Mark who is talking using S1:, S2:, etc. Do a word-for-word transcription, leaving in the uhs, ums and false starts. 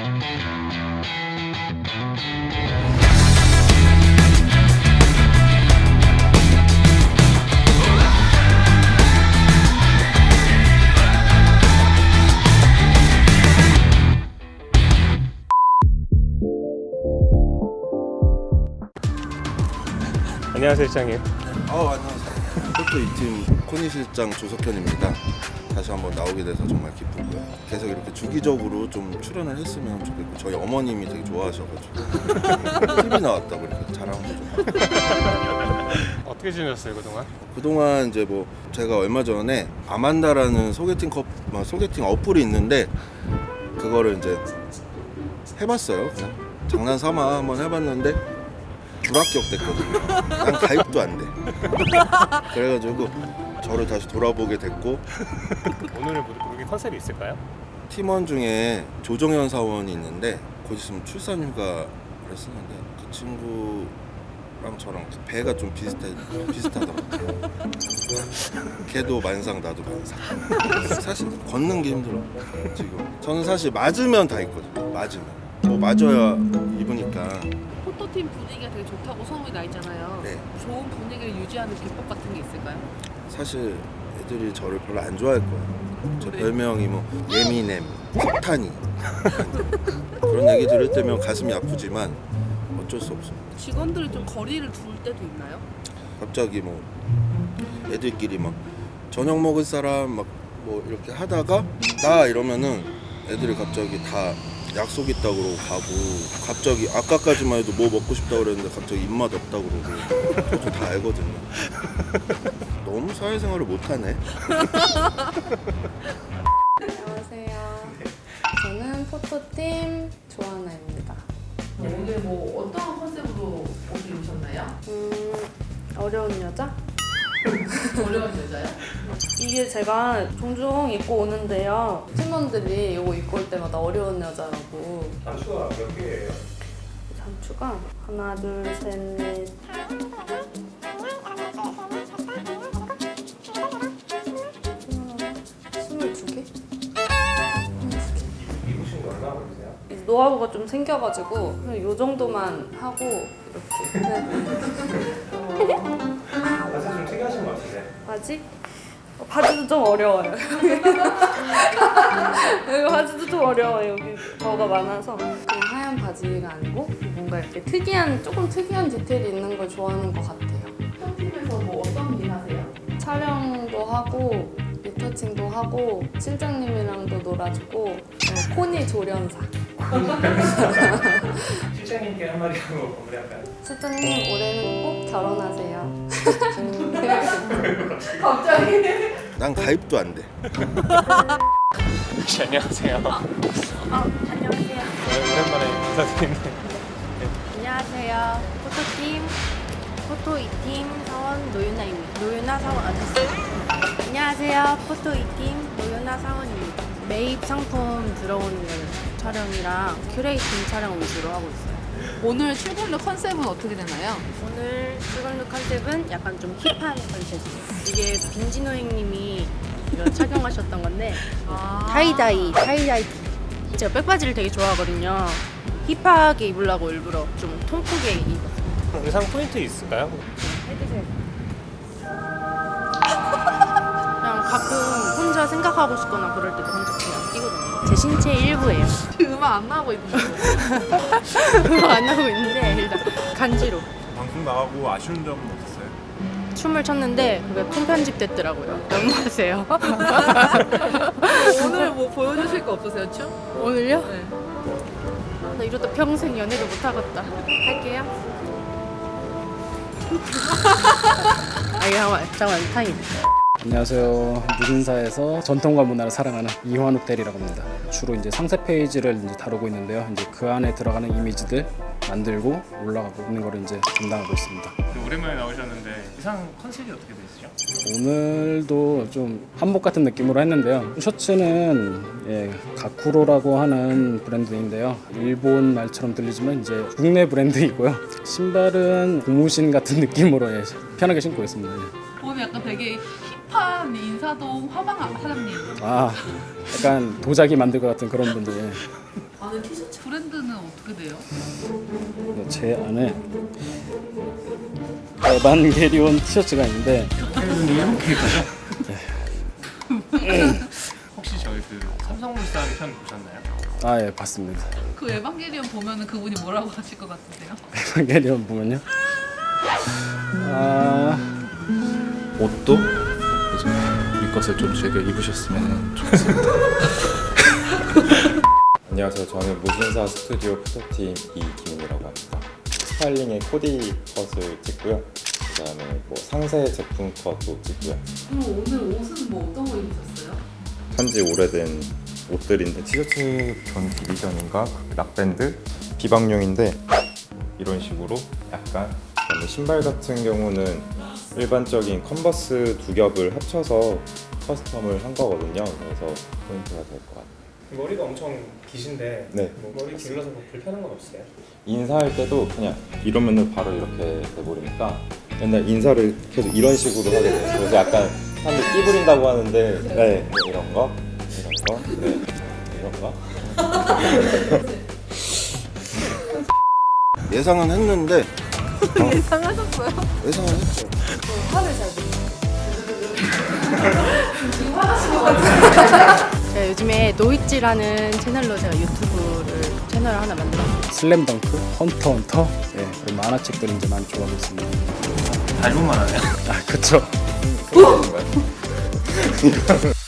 S1: 안녕하세요 실장님.
S2: 어, 안녕하세요. 포토 이 팀 코니 실장 조석현입니다. 다시 한번 나오게 돼서 정말 기쁘고요. 계속 이렇게 주기적으로 좀 출연을 했으면 좋겠고, 저희 어머님이 되게 좋아하셔가지고 티비 나왔다고 이렇게 자랑도 좀 하고.
S1: 어떻게 지내셨어요 그동안?
S2: 그동안 이제 뭐 제가 얼마 전에 아만다라는 소개팅 컵 뭐 소개팅 어플이 있는데 그거를 이제 해봤어요. 그냥 장난 삼아 한번 해봤는데 불합격됐거든요. 난 가입도 안 돼. 그래가지고 저를 다시 돌아보게 됐고,
S1: 오늘은 무슨 컨셉이 있을까요?
S2: 팀원 중에 조정현 사원이 있는데 곧 있으면 출산 휴가를 쓰는데 그 친구랑 저랑 배가 좀 비슷해 비슷하더라고요. 걔도 만상 나도 만상. 사실 걷는 게 힘들어 지금. 저는 사실 맞으면 다 있거든요. 맞으면 뭐 맞아야 입으니까.
S3: 포토팀 분위기가 되게 좋다고 소문이 나 있잖아요.
S2: 네.
S3: 좋은 분위기를 유지하는 비법 같은 게 있을까요?
S2: 사실 애들이 저를 별로 안 좋아할 거예요. 제
S3: 그래요?
S2: 별명이 뭐 예미넴, 석탄이 그런 얘기 들을 때면 가슴이 아프지만 어쩔 수 없어.
S3: 직원들이 좀 거리를 둘 때도 있나요?
S2: 갑자기 뭐 애들끼리 막 저녁 먹을 사람 막 뭐 이렇게 하다가 나 이러면은 애들이 갑자기 다 약속 있다고 그러고 가고, 갑자기 아까까지만 해도 뭐 먹고 싶다고 그랬는데 갑자기 입맛 없다고 그러고. 저도 다 알거든요. 너무 사회생활을 못하네.
S4: 안녕하세요. 저는 포토팀 조하나입니다.
S3: 오늘 뭐 어떤 컨셉으로 옷을 입으셨나요?
S4: 음, 어려운 여자?
S3: 어려운 여자요?
S4: 이게 제가 종종 입고 오는데요. 팀원들이 이거 입고 올 때마다 어려운 여자라고.
S1: 단추가 몇 개예요?
S4: 단추가 하나, 둘, 셋, 넷. 스물두 개?
S1: 입으신 거 얼마나 걸리세요?
S4: 이제 노하우가 좀 생겨가지고 그냥 이 정도만 하고 이렇게.
S1: 바지 좀 특이하신 것 같은데.
S4: 바지? 어, 바지도 좀 어려워요. 여기 바지도 좀 어려워요. 여기 뭐가 많아서. 그냥 하얀 바지가 아니고 뭔가 이렇게 특이한, 조금 특이한 디테일이 있는 걸 좋아하는 것 같아요.
S3: 포토팀에서 뭐 어떤 일 하세요?
S4: 촬영도 하고 리터칭도 하고 실장님이랑도 놀아주고 어, 코니 조련사.
S1: 실장님께 한마디 하고 마무리할까요?
S4: 실장님 올해는 꼭 결혼하세요.
S3: 갑자기?
S2: 난 가입도 안 돼.
S1: 혹시 안녕하세요.
S5: 어, 안녕하세요.
S1: 네, 오랜만에 인사드리는데
S5: 안녕하세요. 포토팀, 포토 이 팀 사원 노윤아입니다. 노윤아 사원 아저씨. 안녕하세요. 포토 이 팀 노윤아 사원입니다. 매입 상품 들어오는 촬영이랑 큐레이팅 촬영 위주로 하고 있어요.
S3: 오늘 출근룩 컨셉은 어떻게 되나요?
S5: 오늘 출근룩 컨셉은 약간 좀 힙한 컨셉이에요. 이게 빈지노잉님이 이거 착용하셨던 건데
S3: 아.
S5: 타이다이, 타이다이. 제가 백바지를 되게 좋아하거든요. 힙하게 입으려고 일부러 좀 통 크게 입었어요.
S1: 의상 포인트 있을까요?
S5: 해주세요. 그냥 가끔 혼자 생각하고 싶거나 그럴 때도 혼자 그냥 끼거든요. 제 신체의 일부예요.
S3: 음악 안 나오고 입는 거.
S5: 그거 안 하고 있는데 일단 간지로
S6: 방송 나가고 아쉬운 점은 없었어요?
S5: 춤을 췄는데 그게 통편집 됐더라고요. 너무하세요.
S3: 오늘 뭐 보여주실 거 없으세요, 춤?
S5: 오늘요?
S3: 네.
S5: 나 이러다 평생 연애도 못 하겠다. 할게요. 아 이거 잠깐만 잠깐만 타임.
S7: 안녕하세요. 무신사에서 전통과 문화를 사랑하는 이환욱 대리라고 합니다. 주로 이제 상세 페이지를 이제 다루고 있는데요. 이제 그 안에 들어가는 이미지들 만들고 올라가고 있는 거를 이제 담당하고 있습니다.
S1: 오랜만에 나오셨는데 의상 컨셉이 어떻게 되시죠?
S7: 오늘도 좀 한복 같은 느낌으로 했는데요. 셔츠는 예, 가쿠로라고 하는 브랜드인데요. 일본 말처럼 들리지만 이제 국내 브랜드이고요. 신발은 고무신 같은 느낌으로 예, 편하게 신고 있습니다. 예.
S3: 보면 약간 되게 힙한 인사동 화방 사장님.
S7: 아, 약간 도자기 만들 것 같은 그런 분들. 예.
S3: 아 아는 티셔츠 브랜드는 어떻게 돼요?
S7: 제 안에 에반게리온 티셔츠가 있는데
S1: 이렇게 가죠? 혹시 저희 그 삼성물산 편 보셨나요?
S7: 아 예 봤습니다.
S3: 그 에반게리온 보면은 그분이 뭐라고 하실 것 같으세요?
S7: 에반게리온 보면요. 아
S8: 옷도 이제 우리 것을 좀 즐겨 입으셨으면 좋겠습니다.
S9: 안녕하세요. 저는 무신사 스튜디오 포토팀 이기훈이라고 합니다. 스타일링의 코디 컷을 찍고요. 그 다음에 뭐 상세 제품 컷도 찍고요.
S3: 그럼 오늘 옷은 뭐 어떤 거 입으셨어요?
S9: 산지 오래된 옷들인데 티셔츠 전 디비전인가 락밴드 비방용인데 이런 식으로 약간, 그다음에 신발 같은 경우는 일반적인 컨버스 두 겹을 합쳐서 커스텀을 한 거거든요. 그래서 포인트가 될 것 같아요.
S10: 머리가 엄청 기신데
S9: 네.
S10: 뭐 머리 길러서 뭐 불편한 건 없어요?
S9: 인사할 때도 그냥 이러면은 바로 이렇게 돼버리니까 맨날 인사를 계속 이런 식으로 하게 돼요. 그래서 약간 사람들 끼 부린다고 하는데 네, 뭐 이런 거, 이런 거, 네, 이런 거.
S2: 예상은 했는데
S4: 예상하셨어요?
S2: 예상은 했죠.
S4: 화를 잘
S5: 제가 요즘에 노이찌라는 채널로 제가 유튜브를 채널을 하나 만들었어요.
S7: 슬램덩크, 헌터 헌터, 예 그런 만화책들 이제 많이 좋아하고 있습니다.
S1: 닮은만 하네요.
S7: 아 그쵸.
S9: 그런 건가요?